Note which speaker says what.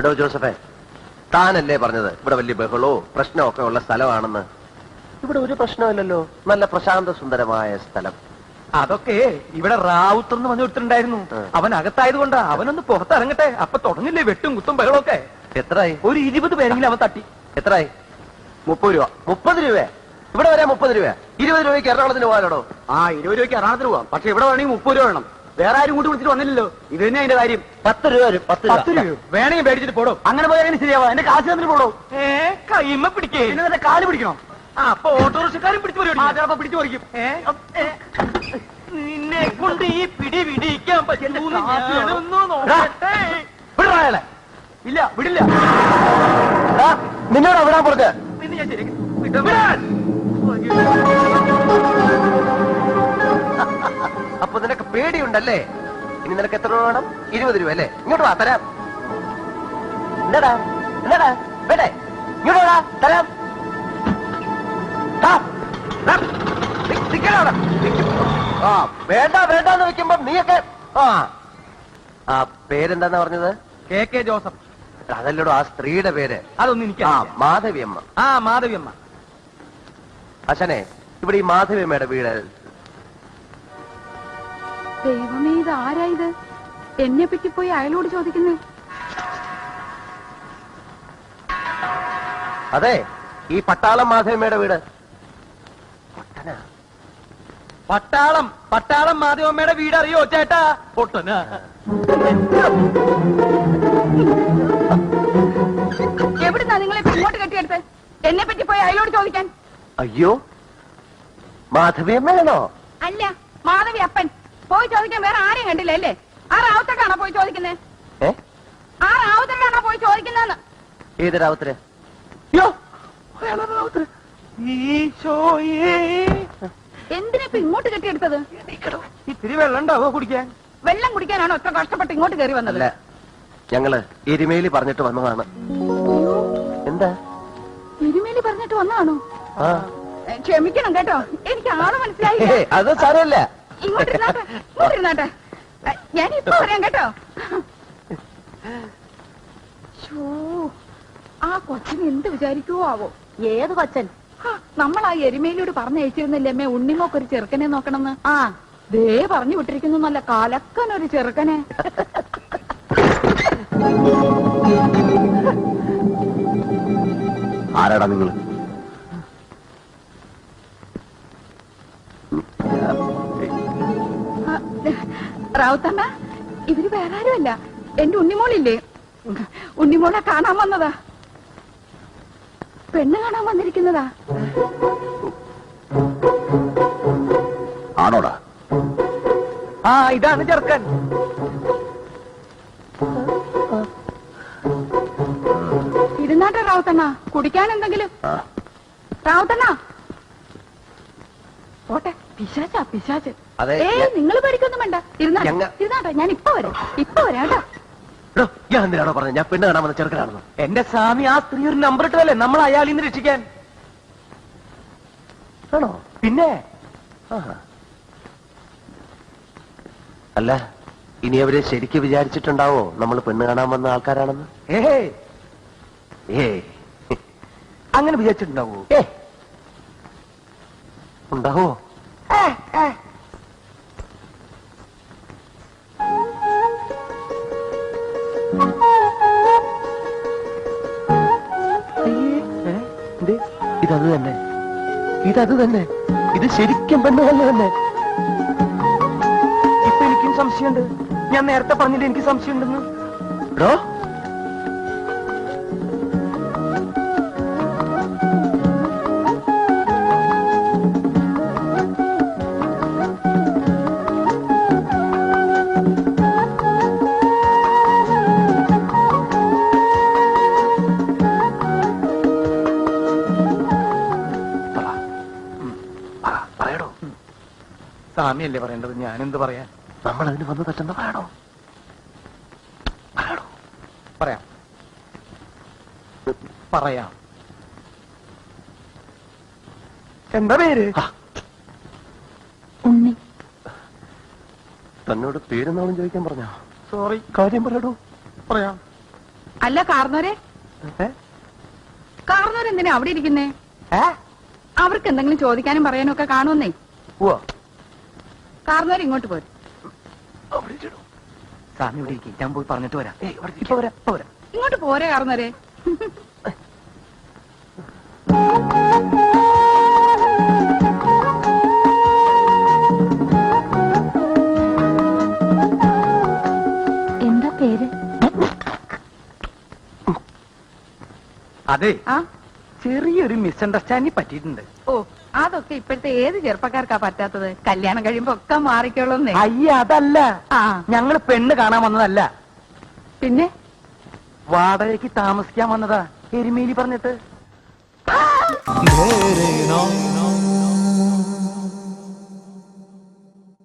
Speaker 1: എടോ ജോസഫേ, താനല്ലേ പറഞ്ഞത് ഇവിടെ വലിയ ബഹളോ പ്രശ്നമൊക്കെ ഉള്ള സ്ഥലമാണെന്ന്? ഇവിടെ ഒരു പ്രശ്നമില്ലല്ലോ, നല്ല പ്രശാന്ത സുന്ദരമായ സ്ഥലം.
Speaker 2: അതൊക്കെ ഇവിടെ റാവുത്തർ എന്ന് പറഞ്ഞു കൊടുത്തിട്ടുണ്ടായിരുന്നു. അവൻ അകത്തായതുകൊണ്ടാ. അവനൊന്ന് പുറത്തിറങ്ങട്ടെ, അപ്പൊ തുടങ്ങില്ലേ വെട്ടും കുത്തും ബഹളമൊക്കെ.
Speaker 1: എത്രയായി?
Speaker 2: ഒരു 20 പേരെങ്കിലും അവൻ തട്ടി.
Speaker 1: എത്രയായി?
Speaker 2: 30 രൂപ.
Speaker 1: 30 രൂപ? ഇവിടെ വരെ 30 രൂപ? 20 രൂപയ്ക്ക് എറണാകുളത്തിന് പോകാനോ?
Speaker 2: 20 രൂപയ്ക്ക് എറണാകുളത്തിന് പോവാം. പക്ഷെ ഇവിടെ വേണമെങ്കിൽ 30 രൂപ വേണം. വേറെ ആരും കൂട്ടി വിളിച്ചിട്ട് വന്നില്ലല്ലോ. ഇത് തന്നെ അതിന്റെ കാര്യം.
Speaker 1: 10 രൂപ വരും. 10 രൂപ
Speaker 2: വേണമെങ്കിൽ മേടിച്ചിട്ട് പോടോ. അങ്ങനെ പോയാലും ശരിയാവാ. എന്റെ കാശ് തന്നിട്ട് പോടോ. കൈമ പിടിക്കേ, പിന്നെ കാല് പിടിക്കണം. അപ്പൊ ഓട്ടോറിക്ഷക്കാരും പിടിച്ചു ചിലപ്പോ പിടിച്ചു പറിക്കും. നിന്നെ കൊണ്ട് ഈ പിടി പിടിക്കാൻ പറ്റുന്നു. ഇല്ല, വിടില്ല.
Speaker 1: നിന്നോട് വിടാൻ പറഞ്ഞ
Speaker 2: പിന്നെ ഞാൻ ശരി.
Speaker 1: അപ്പൊ നിനക്ക് പേടിയുണ്ടല്ലേ? ഇനി നിനക്ക് എത്ര രൂപ വേണം? 20 രൂപ അല്ലേ? ഇങ്ങോട്ട് വാ, തരാം. എന്താടാ എന്താടാ വേണ്ടേ? ഇങ്ങോട്ട് വാ, തരാം. വേണ്ട വേണ്ടെന്ന് വെക്കുമ്പോ നീയൊക്കെ. ആ പേരെന്താന്നാ പറഞ്ഞത്?
Speaker 2: KK Joseph.
Speaker 1: അതല്ലടോ ആ സ്ത്രീയുടെ പേര്.
Speaker 2: അതൊന്നും എനിക്ക്
Speaker 1: മാധവിയമ്മ.
Speaker 2: മാധവിയമ്മ.
Speaker 1: അച്ഛനെ, ഇവിടെ ഈ മാധവിയമ്മയുടെ വീട്.
Speaker 3: ദൈവമേ, ഇത് ആരായത്? എന്നെ പറ്റി പോയി അയാളോട് ചോദിക്കുന്നേ.
Speaker 1: അതെ, ഈ പട്ടാളം മാധവിയമ്മയുടെ വീട്.
Speaker 2: പട്ടാളം മാധവമ്മയുടെ വീട് അറിയോ ചേട്ടാ? പൊട്ടനാ.
Speaker 3: എവിടുന്നാ നിങ്ങളെ ഇങ്ങോട്ട് കെട്ടിയെടുത്ത്? എന്നെ പറ്റി പോയി അയാളോട് ചോദിക്കാൻ.
Speaker 1: അയ്യോ, മാധവിയമ്മയാണോ?
Speaker 3: അല്ല, മാധവി അപ്പൻ. പോയി ചോദിക്കാൻ വേറെ ആരെയും കണ്ടില്ല അല്ലേ? ആ റാവുത്തക്കാണോ പോയി ചോദിക്കുന്നേ? ആ റാവുത്തക്കാണോ പോയി ചോദിക്കുന്നതെന്ന്?
Speaker 1: ഏത് റാവുത്തര്?
Speaker 3: എന്തിനാ ഇപ്പൊ ഇങ്ങോട്ട് കെട്ടിയെടുത്തത്?
Speaker 2: ഇത്തിരി വെള്ളം ഉണ്ടാവോ കുടിക്കാൻ?
Speaker 3: വെള്ളം കുടിക്കാനാണോ ഇത്ര കഷ്ടപ്പെട്ട് ഇങ്ങോട്ട് കയറി വന്നത്?
Speaker 1: ഞങ്ങള് എരുമേലി പറഞ്ഞിട്ട് വന്നതാണ്. എന്താ
Speaker 3: എരുമേലി പറഞ്ഞിട്ട് വന്നതാണോ? ക്ഷമിക്കണം കേട്ടോ, എനിക്ക് ആള് മനസ്സിലായി.
Speaker 1: അത് സാരമില്ല.
Speaker 3: ഇങ്ങോട്ടിരുന്നാട്ടെ, ഞാനിപ്പോ പറയാം കേട്ടോ. ആ കൊച്ചിന് എന്ത് വിചാരിക്കുവോ ആവോ? ഏത് കൊച്ചൻ? നമ്മൾ ആ എരുമേലിയോട് പറഞ്ഞയച്ചിരുന്നില്ലേ ഉണ്ണിമോക്കൊരു ചെറുക്കനെ നോക്കണമെന്ന്? ദേ പറഞ്ഞു വിട്ടിരിക്കുന്നു, നല്ല കലക്കനൊരു ചെറുക്കനെ.
Speaker 1: ആരാടാ നിങ്ങള്?
Speaker 3: റാവുത്തമ്മ, ഇവര് വേറെ ആരുമല്ല, എന്റെ ഉണ്ണിമോളില്ലേ, ഉണ്ണിമോളെ കാണാൻ വന്നതാ. പെണ്ണ് കാണാൻ വന്നിരിക്കുന്നതാ.
Speaker 1: ആണോടാ?
Speaker 2: ഇതാണ് ചെറുക്കൻ.
Speaker 3: ഇരുന്നാട്ടെ റാവുത്തണ്ണ, കുടിക്കാൻ എന്തെങ്കിലും. റാവുത്തണ്ണ പോട്ടെ. പിശാച്ച്. നിങ്ങൾ പേടിക്കൊന്നും വേണ്ട, ഇരുന്നാട്ടെ. ഞാൻ ഇപ്പൊ വരാം കേട്ടോ.
Speaker 1: ഞാൻ എന്തിനാണോ പറഞ്ഞത് ഞാൻ പെണ്ണ് കാണാൻ വന്ന ചെറുക്കനാണെന്ന്?
Speaker 2: എന്റെ സ്വാമി, ആ സ്ത്രീ ഒരു നമ്പർ ഇട്ടതല്ലേ നമ്മൾ അയാളിൽ നിന്ന് രക്ഷിക്കാൻ.
Speaker 1: ആണോ?
Speaker 2: പിന്നെ
Speaker 1: അല്ല, ഇനി അവരെ ശരിക്ക് വിചാരിച്ചിട്ടുണ്ടാവോ നമ്മൾ പെണ്ണ് കാണാൻ വന്ന ആൾക്കാരാണെന്ന്?
Speaker 2: അങ്ങനെ വിചാരിച്ചിട്ടുണ്ടാവോ?
Speaker 1: ഉണ്ടാവോ? ഇതത് തന്നെ. ഇത് ശരിക്കും പെണ്ണ് തന്നെ.
Speaker 2: ഇപ്പൊ എനിക്കും സംശയമുണ്ട്. ഞാൻ നേരത്തെ പറഞ്ഞില്ല എനിക്ക് സംശയമുണ്ടെന്ന്. സ്വാമിയല്ലേ പറയേണ്ടത്, ഞാനെന്ത് പറയാൻ?
Speaker 1: നമ്മൾ അതിന് വന്ന് തട്ടുന്ന പറയണോ?
Speaker 2: പറയാം. എന്താ പേര്?
Speaker 3: ഉണ്ണി.
Speaker 1: തന്നോട് പേരെന്നാളും ചോദിക്കാൻ പറഞ്ഞോ?
Speaker 2: സോറി.
Speaker 1: കാര്യം പറയടോ.
Speaker 2: പറയാം.
Speaker 3: അല്ല കാർന്നോരെ കാർന്നോരെന്തിനാ അവിടെ ഇരിക്കുന്നേ? അവർക്ക് എന്തെങ്കിലും ചോദിക്കാനും പറയാനും ഒക്കെ കാണുമെന്നേ. കാർന്നോര് ഇങ്ങോട്ട് പോരും.
Speaker 2: സാറിന് ഇവിടെ ഇരിക്കും, ഞാൻ പോയി പറഞ്ഞിട്ട് വരാം.
Speaker 3: ഇങ്ങോട്ട് പോരെ കാർന്നോരെ.
Speaker 4: എന്താ പേര്?
Speaker 2: അതെ,
Speaker 3: ആ
Speaker 2: ചെറിയൊരു മിസ്അണ്ടർസ്റ്റാൻഡിങ് പറ്റിയിട്ടുണ്ട്.
Speaker 3: ഓ, അതൊക്കെ ഇപ്പോഴത്തെ ഏത് ചെറുപ്പക്കാർക്കാ പറ്റാത്തത്? കല്യാണം കഴിയുമ്പോ ഒക്കെ മാറിക്കോളുന്നേ.
Speaker 2: അയ്യ അതല്ല,
Speaker 3: ആ
Speaker 2: ഞങ്ങള് പെണ്ണ് കാണാൻ വന്നതല്ല,
Speaker 3: പിന്നെ
Speaker 2: വാടകയ്ക്ക് താമസിക്കാൻ വന്നതാ. എരുമേലി പറഞ്ഞിട്ട്.